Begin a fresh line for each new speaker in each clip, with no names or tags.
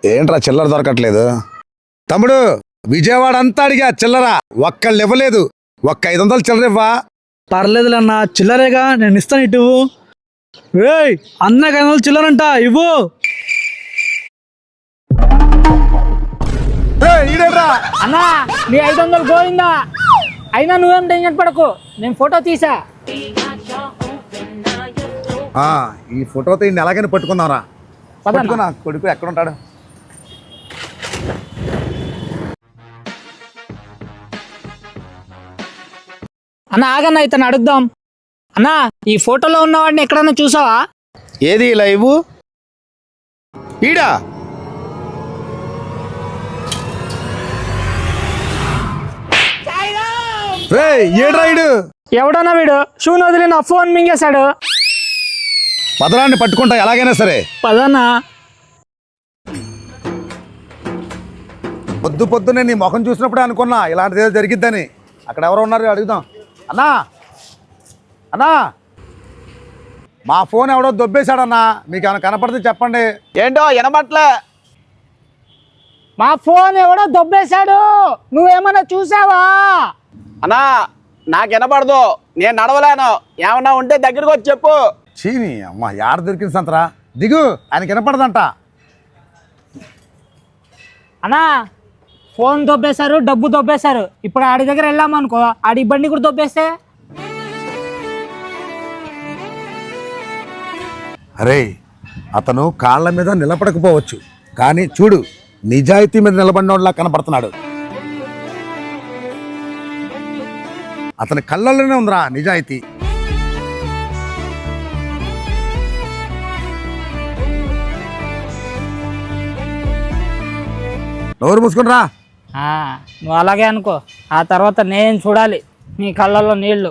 ఏంట్రా చిల్లర దొరకట్లేదు? తమ్ముడు విజయవాడ అంతా అడిగా చిల్లర, ఒక్కళ్ళు ఇవ్వలేదు. ఒక్క 500 చిల్లర ఇవ్వా?
పర్లేదులన్నా, చిల్లరేగా, నేను ఇస్తాను. ఇటు ఏయ్, అన్నకి 500 చిల్లరంట, ఇవ్వు.
అన్నా నీ 500 పోయిందా? అయినా నువ్వేం టెన్షన్ పడకు, నేను ఫోటో తీసా.
ఈ ఫోటోతో ఇన్ని ఎలాగైనా పట్టుకుందాంరా. పట్టుకున్నా కొడుకు ఎక్కడ ఉంటాడు?
అన్న ఆగన్నా, ఇతను అడుగుదాం. అన్నా, ఈ ఫోటోలో ఉన్నవాడిని ఎక్కడన్నా చూసావా?
ఏది లైవ్? ఈడా
ఏడ్రాయుడు
ఎవడన్నా వీడు షూని వదిలి నా ఫోన్ మింగేశాడు.
పదరాన్ని పట్టుకుంటా ఎలాగైనా సరే.
పదన్నా.
పొద్దు పొద్దునే నీ ముఖం చూసినప్పుడే అనుకున్నా ఇలాంటిది ఏదో జరిగిద్దని. అక్కడ ఎవరో ఉన్నారు, అడుగుదాం. అన్నా అన్నా, మా ఫోన్ ఎవడో దొబ్బేశాడన్నా, మీకు ఏమైనా కనపడితే చెప్పండి.
ఏంటో వినబట్లే.
మా ఫోన్ ఎవడో దొబ్బేశాడు, నువ్వేమన్నా చూసావా?
అన్నా నాకు వినపడదు, నేను నడవలేను. ఏమన్నా ఉంటే దగ్గరికి వచ్చి చెప్పు.
చీని అమ్మ, యాడ దొరికింది సంతరా? దిగు, ఆయనకి వినపడదంట.
అన్నా ఫోన్ దొబ్బేశారు, డబ్బు దొబ్బేశారు. ఇప్పుడు ఆడి దగ్గర వెళ్ళామనుకో, ఆడి బండి కూడా దొబ్బేస్తే.
అరే, అతను కాళ్ళ మీద నిలబడకపోవచ్చు, కానీ చూడు నిజాయితీ మీద నిలబడినోళ్ళలా కనపడుతున్నాడు. అతని కళ్ళల్లోనే ఉందిరా నిజాయితీ. నోరు మూసుకుని రా.
నువ్వు అలాగే అనుకో, ఆ తర్వాత నేను చూడాలి నీ కళ్ళల్లో నీళ్లు.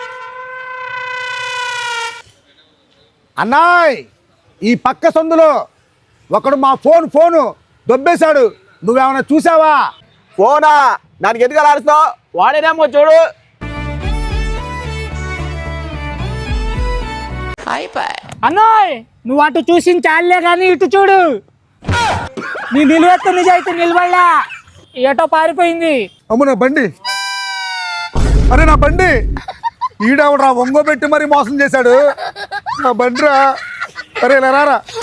అన్నాయ్, ఈ పక్క సందులో ఒకడు మా ఫోను దొబ్బేశాడు, నువ్వేమైనా చూసావా?
ఫోనా? దానికి ఎందుకు అరుస్తావు? వాడేనేమో చూడు.
అన్నాయ్, నువ్వు అటు చూసిన చాలే కానీ ఇటు చూడు. నీ నిలువెత్తు నిజాయితీ నిలబడలా, ఏటో పారిపోయింది.
అమ్మ నా బండి, అరే నా బండి, ఈడవడరా ఒంగోబెట్టి మరి మోసం చేశాడు నా బండిరా. అరే రారా.